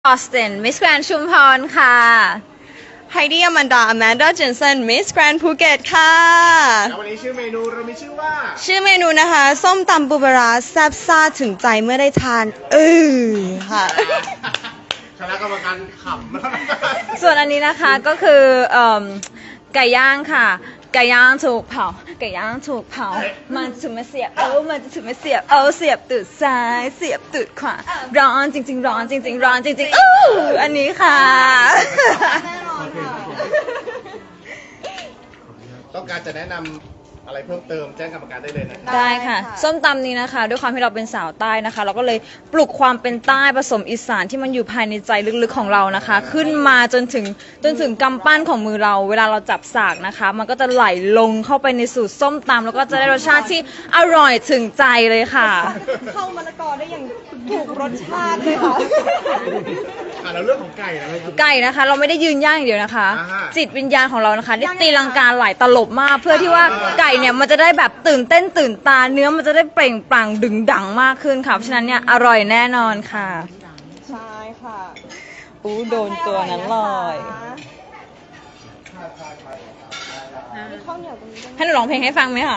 ออสตินมิสแกรนชุมพรค่ะไฮดี้อแมนดาเจนเซนมิสแกรนด์ภูเก็ตค่ะแล้ววันนี้ชื่อเมนูเรามีชื่อว่าชื่อเมนูนะคะ ส้มตำปูปลาร้าแซ่บซ่าถึงใจเมื่อได้ทานค่ะคณะกรรมการขำส่วนอันนี้นะคะก็คือไก่ย่างค่ะ ไก่ย่างถูกเผา ไก่ย่างถูกเผา มันถึงมาเสียบมันจะถึงมาเสียบเสียบตูดซ้ายเสียบตูดขวาร้อนจริงๆร้อนจริงๆร้อนจริงๆอันนี้ค่ะต้องการจะแนะนำอะไรเพิ่มเติมแจ้งกรรมการได้เลยนะครับได้ค่ะ ส้มตำนี้นะคะ ด้วยความที่เราเป็นสาวใต้นะคะ เราก็เลยปลุกความเป็นใต้ผสมอีสานที่มันอยู่ภายในใจลึกๆของเรานะคะ ขึ้นมาจนถึงกำปั้นของมือเรา เวลาเราจับสากนะคะ มันก็จะไหลลงเข้าไปในสูตรส้มตำแล้วก็จะได้รสชาติที่อร่อยถึงใจเลยค่ะเข้ามะละกอได้อย่างถูกรสชาติเลยค่ะแล้วเรื่องของไก่นะครับไก่นะคะ เราไม่ได้ยืนย่างอย่างเดียวนะคะอ่าฮะจิตวิญญาณของเรานะคะได้ตีลังกาหลายตลบมาก เพื่อที่ว่าไก่เนี่ยมันจะได้แบบตื่นเต้นตื่นตาเนื้อมันจะได้เปล่งปลั่งดึงดังมากขึ้นค่ะเพราะฉะนั้นเนี่ยอร่อยแน่นอนค่ะใช่ค่ะโดนตัวนั้นเลยมีข้าวเหนียวตรงนี้ด้วยให้หนูร้องเพลงให้ฟังไหมคะ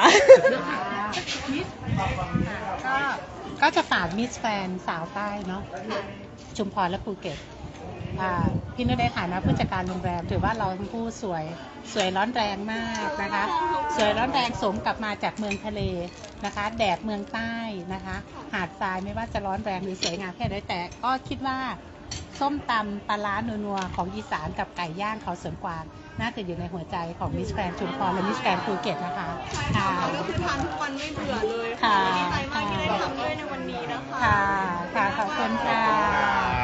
ก็จะฝากมิสแฟนสาวใต้เนาะชุมพรและภูเก็ตพี่นุชได้ถ่ายมาผู้จัดการโรงแรมถือว่าเราทั้งคู่สวยร้อนแรงมากนะคะ สวยร้อนแรงสมกลับมาจากเมืองทะเลนะคะ แดดเมืองใต้นะคะ หาดทรายไม่ว่าจะร้อนแรงหรือสวยงามแค่ไหนแต่ก็คิดว่าส้มตำปลาร้านัวๆของอีสานกับไก่ย่างเขาสวนกวางน่าจะอยู่ในหัวใจของมิสแกรนชุมพรและมิสแกรนภูเก็ตนะคะค่ะก็คือทานทุกวันไม่เบื่อเลยค่ะดีใจมากที่ได้ทำด้วยในวันนี้นะคะค่ะ ขอบคุณค่ะ